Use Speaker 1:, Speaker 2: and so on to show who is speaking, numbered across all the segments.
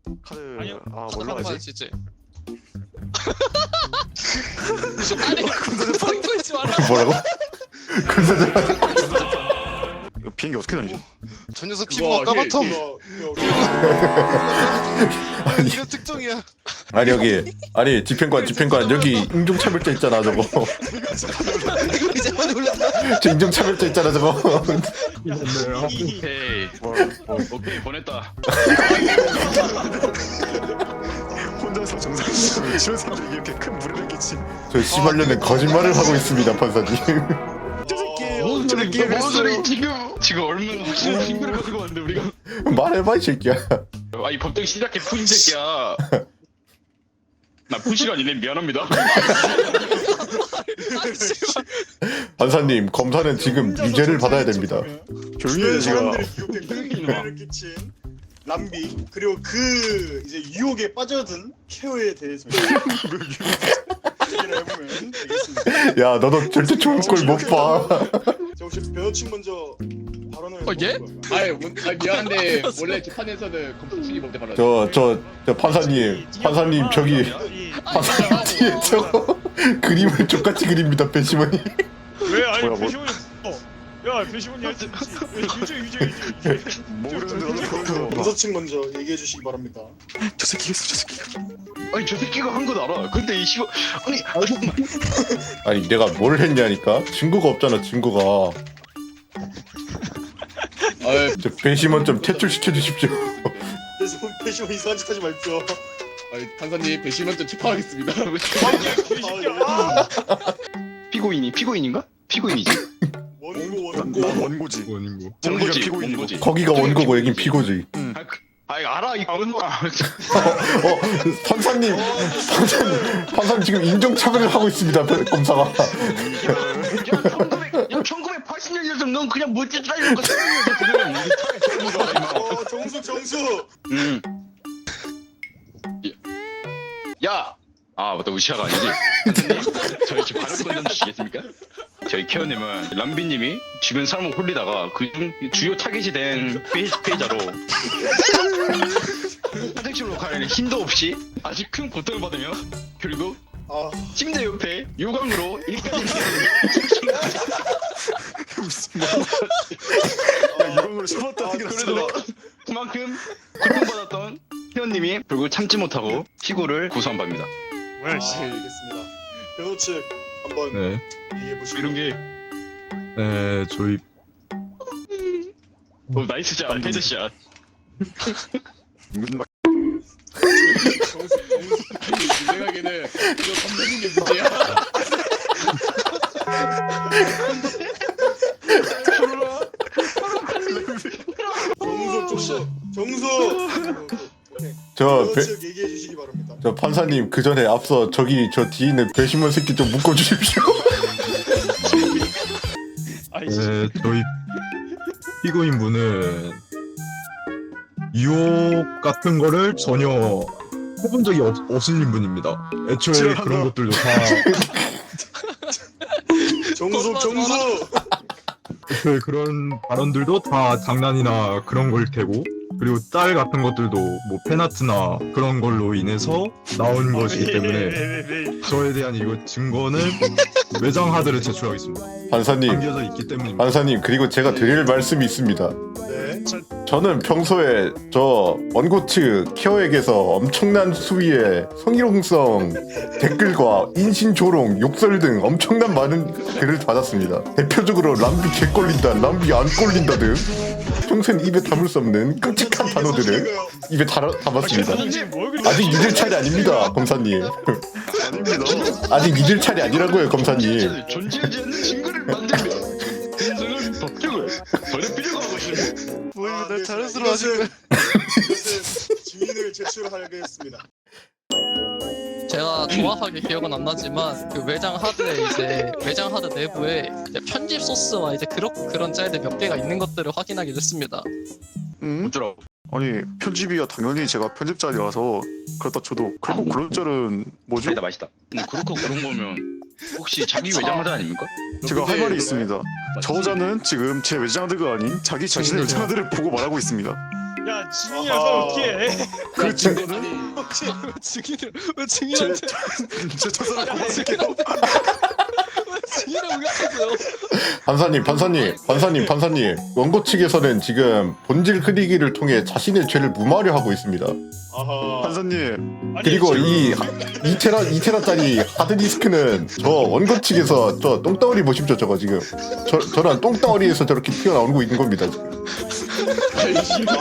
Speaker 1: 카드
Speaker 2: 아니요.
Speaker 1: 아
Speaker 3: 카드
Speaker 1: 뭘로
Speaker 3: 갖고
Speaker 1: 하지?
Speaker 3: 와야지 이제. 아니 펑크 있지 마라.
Speaker 4: 뭐라고?
Speaker 1: 이거 비행기 어떻게 다니죠?
Speaker 3: 저 녀석 피부가 까맣다.
Speaker 4: 아니,
Speaker 3: 이런 특종이야.
Speaker 4: 아니 여기 아니 집행관 여기 인종차별자 있잖아 저거.
Speaker 3: 이제 많이 올랐다.
Speaker 4: 저 인종차별자 있잖아 저거.
Speaker 2: 오케이. 오케이 보냈다.
Speaker 1: 혼자서 정상적으로 지원생들이 이렇게 큰 무리를 끼친
Speaker 4: 저 씨발년은 거짓말을 하고 있습니다 판사님.
Speaker 1: 저 새끼
Speaker 2: 뭔
Speaker 1: 저
Speaker 2: 소리?
Speaker 1: 새끼
Speaker 2: 뭔 소리? 지금 얼마나 확실한 친구를 가지고 왔는데 우리가.
Speaker 4: 말해봐 이 새끼야.
Speaker 2: 아니 법정 시작해 푸신 새끼야. 나 푸시가 아니네 미안합니다.
Speaker 4: 판사님 검사는 지금 유죄를 받아야 됩니다.
Speaker 1: 조용히 해 지가.
Speaker 5: 사람들이 기억된 를 끼친 람비 그리고 그 이제 유혹에 빠져든 케어에 대해서 얘기를 해보면 되겠습니다.
Speaker 4: 야 너도 절대 좋은 꼴 못 봐.
Speaker 5: 자, 혹시 변호친 먼저 발언을
Speaker 3: 예?
Speaker 5: 해볼까요?
Speaker 6: 미안한데 원래 재판에서는 검사 측이 먼저 발언.
Speaker 4: 저 판사님 저기 판사님 뒤에 저 그림을 똑같이 그립니다 배심원이.
Speaker 2: 왜 아니
Speaker 1: 뭐야, 뭐-
Speaker 2: 배시원이 야 배시원이 할수 있지. 유죄.
Speaker 1: 모르는데 나도 그런 거.
Speaker 5: 변호친 먼저 얘기해 주시기 바랍니다.
Speaker 1: 저 새끼 있어 저 새끼.
Speaker 2: 아니 저 새끼가 한 건 알아. 근데 이 시고 아니
Speaker 4: 아니 내가 뭘 했냐니까 증거가 없잖아 증거가. 저 배심원 좀 퇴출시켜 주십시오.
Speaker 5: 그래서 배시원 이상한 짓 하지 말죠.
Speaker 6: 판사님 배심원 좀 체포하겠습니다.
Speaker 2: 피고인인가? 피고인이지.
Speaker 1: 난 원고지.
Speaker 2: 원고지.
Speaker 1: 피고인이고.
Speaker 2: 원고지.
Speaker 4: 거기가 원고고 여긴 피고지.
Speaker 2: 아이 알아 이 원고야.
Speaker 4: 판사님 지금 인종차별을 하고 있습니다 검사가.
Speaker 2: 야 1980년이었으면 넌 그냥 멋지 잘리는 거
Speaker 5: 정수.
Speaker 2: 야! 아 맞다 우시아가 아니지? 저희 지금 발언권 좀 주시겠습니까? 저희 케어님은 람비님이 주변 사람을 홀리다가 그중 주요 타겟이 된 피해자로 화장실로 가려는 힘도 없이 아주 큰 고통을 받으며 결국
Speaker 5: 아
Speaker 2: 침대 옆에 요강으로 일까지
Speaker 1: 이런 걸 쳐봤다는 게
Speaker 2: 그래도
Speaker 1: 낫잖아.
Speaker 2: 그만큼 고통받았던 케어님이 결국 참지 못하고 피고를 고소한 바입니다.
Speaker 5: 알겠습니다. 변호 측 한번
Speaker 7: 네,
Speaker 5: 얘기해 보시죠.
Speaker 2: 이런 게
Speaker 7: 저희
Speaker 2: 나이스 샷, 헤드샷.
Speaker 1: 막
Speaker 5: 정수
Speaker 6: 내 생각에는 이거 검사님 게 문제야.
Speaker 5: 정수.
Speaker 4: 저
Speaker 5: 변호 측 얘기해 주시기 바랍니다.
Speaker 4: 판사님 그 전에 앞서 저기 저 뒤에 있는 배심원 새끼 좀 묶어 주십시오.
Speaker 7: 저희 피고인 분은 유혹 같은 거를 전혀 해본 적이 없으신 분입니다. 애초에 그런 것들도 다
Speaker 5: 정수.
Speaker 7: 애초에 그런 발언들도 다 장난이나 그런 걸 테고, 그리고 짤 같은 것들도 뭐 팬아트나 그런 걸로 인해서 나온 것이기 때문에 저에 대한 이거 증거는 외장 하드를 제출하겠습니다.
Speaker 4: 판사님
Speaker 7: 담겨져 있기 때문입니다.
Speaker 4: 판사님 그리고 제가 드릴 말씀이 있습니다.
Speaker 5: 네.
Speaker 4: 저는 평소에 저 원고 측 케어에게서 엄청난 수위의 성희롱성 댓글과 인신조롱, 욕설 등 엄청난 많은 글을 받았습니다. 대표적으로 람비 개꼴린다, 람비 안 꼴린다 등 평소엔 입에 담을 수 없는 끔찍한 단어들을 입에 담았습니다. 아직 믿을 차례 아닙니다, 검사님.
Speaker 1: 아닙니다.
Speaker 4: 아직 믿을 차례 아니라고요, 검사님.
Speaker 2: 존재하지 않는 증거를 만들며 인생을 법적을 버릴 필요가 없으시고
Speaker 3: 뭐 날 자연스러워
Speaker 5: 이것은
Speaker 3: 하시는 거야.
Speaker 5: 증인을 제출하겠습니다.
Speaker 3: 제가 정확하게 기억은 안 나지만 그 외장 하드에 이제 외장 하드 내부에 이제 편집 소스와 이제 그런 짤들 몇 개가 있는 것들을 확인하게 됐습니다.
Speaker 2: 어쩌라고.
Speaker 1: 아니 편집이야 당연히 제가 편집자리라서 그렇다 쳐도 그리고 그런 짤은 뭐지?
Speaker 2: 맛있다 맛있다. 근데 그렇고 그런 거면 혹시 자기 외장하드 아닙니까?
Speaker 1: 제가 할 말이 있습니다. 저자는 지금 제 외장하드가 아닌 자기 자신의 외장하드를 보고 말하고 있습니다.
Speaker 8: 야 증인이라서 어떻게 해?
Speaker 1: 그 증거는
Speaker 3: 증인을 왜 증인한테
Speaker 1: 저 사람
Speaker 3: 야,
Speaker 1: 고맙게요.
Speaker 3: 왜 증인을 우겼어요?
Speaker 4: 판사님. 원고 측에서는 지금 본질 흐리기를 통해 자신의 죄를 무마하려 하고 있습니다.
Speaker 5: 아하.
Speaker 1: 판사님
Speaker 8: 아니,
Speaker 4: 그리고
Speaker 8: 지금
Speaker 4: 이 2테라짜리 하드디스크는 저 원고 측에서 저 똥덩어리 보십시오. 저거 지금 저런 똥덩어리에서 저렇게 튀어나오고 있는 겁니다. 지금.
Speaker 8: 아니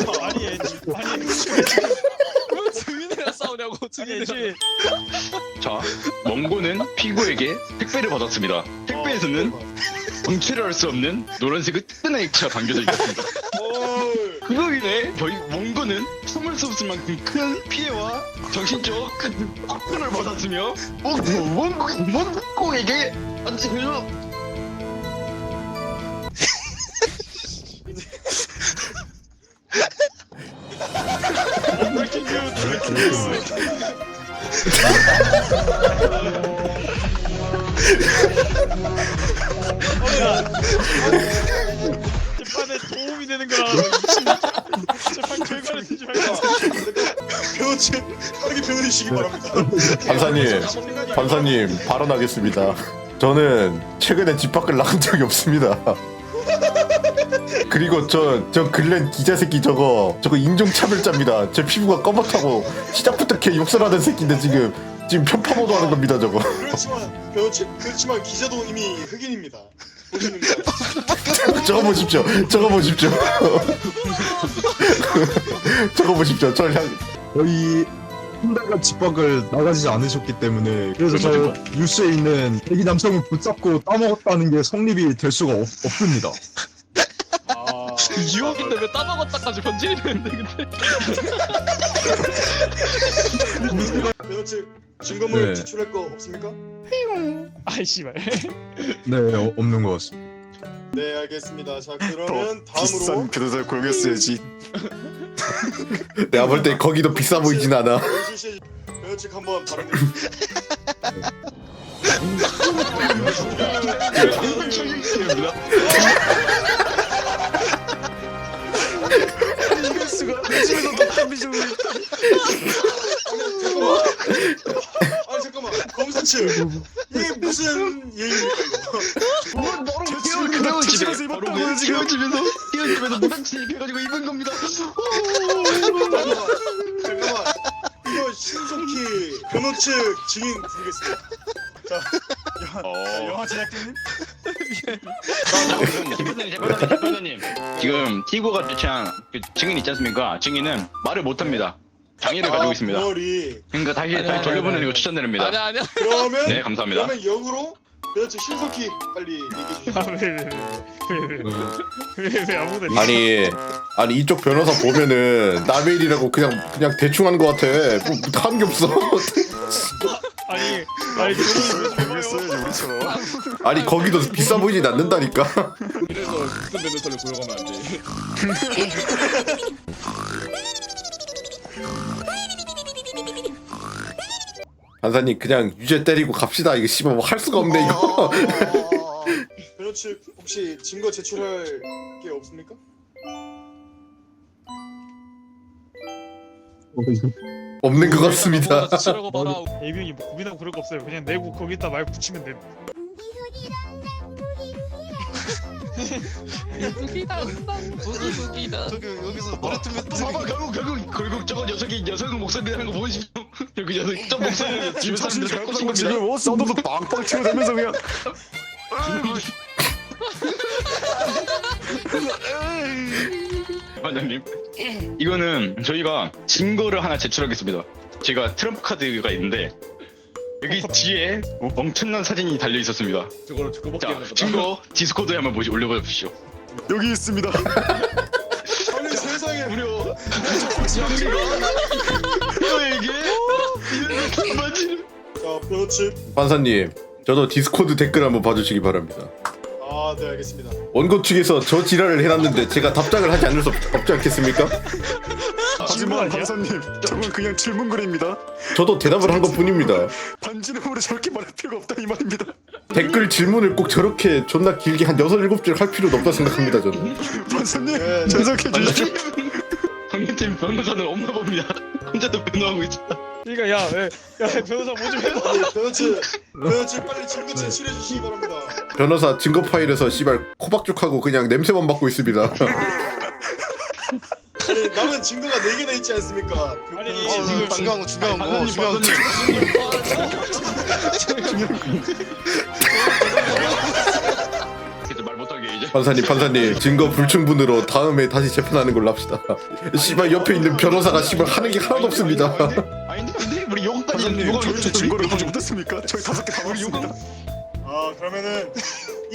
Speaker 3: 왜 증인이랑 싸우냐고 증인이랑.
Speaker 8: 아니지.
Speaker 2: 자, 원고는 피고에게 택배를 받았습니다. 택배에서는 정체를 알 수 없는 노란색의 뜨끈한 액체가 담겨져 있었습니다. 그로 인해 저희 원고는 숨을 수 없을 만큼 큰 피해와 정신적 고통을 받았으며 원고에게
Speaker 8: 브레이킹 뉴스 브레이킹 뉴스. 재판에 도움이 되는 거라. 재판 결과를 쓰지 말고.
Speaker 5: 변호 측 빠르게 변호해주시기 바랍니다.
Speaker 4: 판사님 발언하겠습니다. 저는 최근에 집 밖을 나간 적이 없습니다. 그리고 저 글렌 기자 새끼 저거 인종차별자입니다. 제 피부가 검었다고 시작부터 걔 욕설하는 새끼인데 지금 편파보도 하는 겁니다. 저거.
Speaker 5: 그렇지만 변호 측 그렇지만 기자도 이미 흑인입니다. 보시는 거.
Speaker 4: 저거 보십시오.
Speaker 7: 거의 한 달간 집 밖을 나가지 않으셨기 때문에 그래서 저 뉴스에 있는 애기 남성을 붙잡고 따먹었다는 게 성립이 될 수가 없습니다.
Speaker 5: 아,
Speaker 3: 유혹인데 왜 따먹었다까지 번지이 되는데 근데.
Speaker 5: 변호 측 증거물
Speaker 4: 네.
Speaker 5: 제출할 거 없습니까?
Speaker 8: 아이 씨발.
Speaker 7: 네, 없는 것 같습니다.
Speaker 5: 네, 알겠습니다. 자, 그러면 다음으로
Speaker 1: 비싼 변호사를 고용했어야지.
Speaker 4: 내가 볼 때 거기도 비싸 보이진 않아.
Speaker 5: 변호 측 한번 발언해.
Speaker 1: 이럴 수가. 집에서 독한 비주얼.
Speaker 5: 아니 잠깐만, 검사 측 이게 무슨 예입니까 이거?
Speaker 2: 그대로
Speaker 1: 집에서
Speaker 2: 집에 바로
Speaker 1: 입었다고요, 지금.
Speaker 2: 집에서 무당치 입혀가지고 입은 겁니다.
Speaker 5: 잠깐만, 이거 신속히 변호 측 증인 부르겠습니다. 자, 영화 제작진님.
Speaker 2: 대표님 지금 티고가 제시한 그 증인 있지 않습니까? 증인은 말을 못합니다. 장애를 가지고 있습니다.
Speaker 5: 머리.
Speaker 2: 그러니까 다시
Speaker 3: 아니야,
Speaker 2: 돌려보내는
Speaker 3: 아니야.
Speaker 2: 거 추천드립니다.
Speaker 3: 아니야.
Speaker 5: 그러면
Speaker 2: 네, 감사합니다.
Speaker 5: 그러면 역으로 변호 측 신속히 빨리 얘기해 주시죠.
Speaker 8: 아왜왜왜왜 아무도
Speaker 4: 아니 이쪽 변호사 보면은 남의 일이라고 그냥 대충 하는 것 같아. 뭐 하는 게 없어.
Speaker 8: 아니
Speaker 1: 고용했어야지 우리처럼.
Speaker 4: 아니 거기도 비싸 보이진 않는다니까.
Speaker 6: 그래서 무슨 변호사를 고용하면 안 돼.
Speaker 4: 판사님 그냥 유죄 때리고 갑시다. 이거 씨발 뭐 할 수가 없네 이거.
Speaker 5: 변호 측 혹시 증거 제출할 게 없습니까?
Speaker 4: 없는 것 같습니다.
Speaker 3: 치라고 봐라.
Speaker 8: 예비용이 뭐 고민하고 그럴 거 없어요. 그냥 내고 거기다 말 붙이면 돼.
Speaker 3: 무기다.
Speaker 1: 저기 여기서 노래 틀면
Speaker 2: 봐봐 결국 저거 여성의 목소리라는 거 보이시죠? 여기 여성 저 목소리 주변
Speaker 1: 자신
Speaker 2: 사람들
Speaker 1: 잘
Speaker 2: 갖고
Speaker 1: 보고
Speaker 2: 싶은
Speaker 1: 지금
Speaker 2: 겁니다.
Speaker 1: 사운드도 빵빵 치고다면서 그냥.
Speaker 2: 반장님 이거는 저희가 증거를 하나 제출하겠습니다. 제가 트럼프 카드가 있는데 여기 뒤에 엄청난 사진이 달려 있었습니다.
Speaker 6: 저거를 그거밖에
Speaker 2: 자
Speaker 6: 안 하거든.
Speaker 2: 증거 디스코드에 한번 올려보십시오.
Speaker 1: 여기 있습니다.
Speaker 5: 아니 세상에
Speaker 2: 무려 이거에게 이런 맞지?
Speaker 5: 자 변호 측.
Speaker 4: 판사님 저도 디스코드 댓글 한번 봐주시기 바랍니다.
Speaker 5: 아, 네 알겠습니다.
Speaker 4: 원고 측에서 저 지랄을 해놨는데 제가 답장을 하지 않을 수 없지 않겠습니까?
Speaker 1: 하지만
Speaker 8: 아니야?
Speaker 1: 판사님, 저건 그냥 질문글입니다.
Speaker 4: 저도 대답을 한 것뿐입니다.
Speaker 1: 반지름으로 저렇게 말할 필요가 없다 이 말입니다.
Speaker 4: 댓글 질문을 꼭 저렇게 존나 길게 한 6, 7줄 할 필요도 없다 생각합니다 저는.
Speaker 1: 판사님,
Speaker 5: 네,
Speaker 1: 전석해 주십시오.
Speaker 2: 형님 지금 변호사는 없나 봅니다. 혼자도 변호하고 있어.
Speaker 8: 그러니까 야 변호사 뭐 좀 해봐.
Speaker 5: 아니, 변호치 빨리 증거 제출해 주시기 바랍니다.
Speaker 4: 변호사 증거 파일에서 씨발 코박죽하고 그냥 냄새만 맡고 있습니다.
Speaker 5: 아니 남은 증거가 4개나 있지 않습니까?
Speaker 8: 아니
Speaker 5: 지금
Speaker 1: 중요한 거
Speaker 2: 말 못하게 이제.
Speaker 4: 판사님 증거 불충분으로 다음에 다시 재판하는 걸로 합시다. 씨발 옆에 있는 변호사가 씨발 하는 게 하나도 없습니다.
Speaker 2: 아니 근데 우리 요거까지
Speaker 1: 판사님 저희 증거를 보지 못했습니까? 저희 5개 다 봤습니다.
Speaker 5: 아 그러면은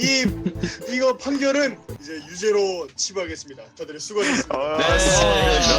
Speaker 5: 이거 판결은 이제 유죄로 치부하겠습니다. 다들 수고하셨습니다.
Speaker 1: 아,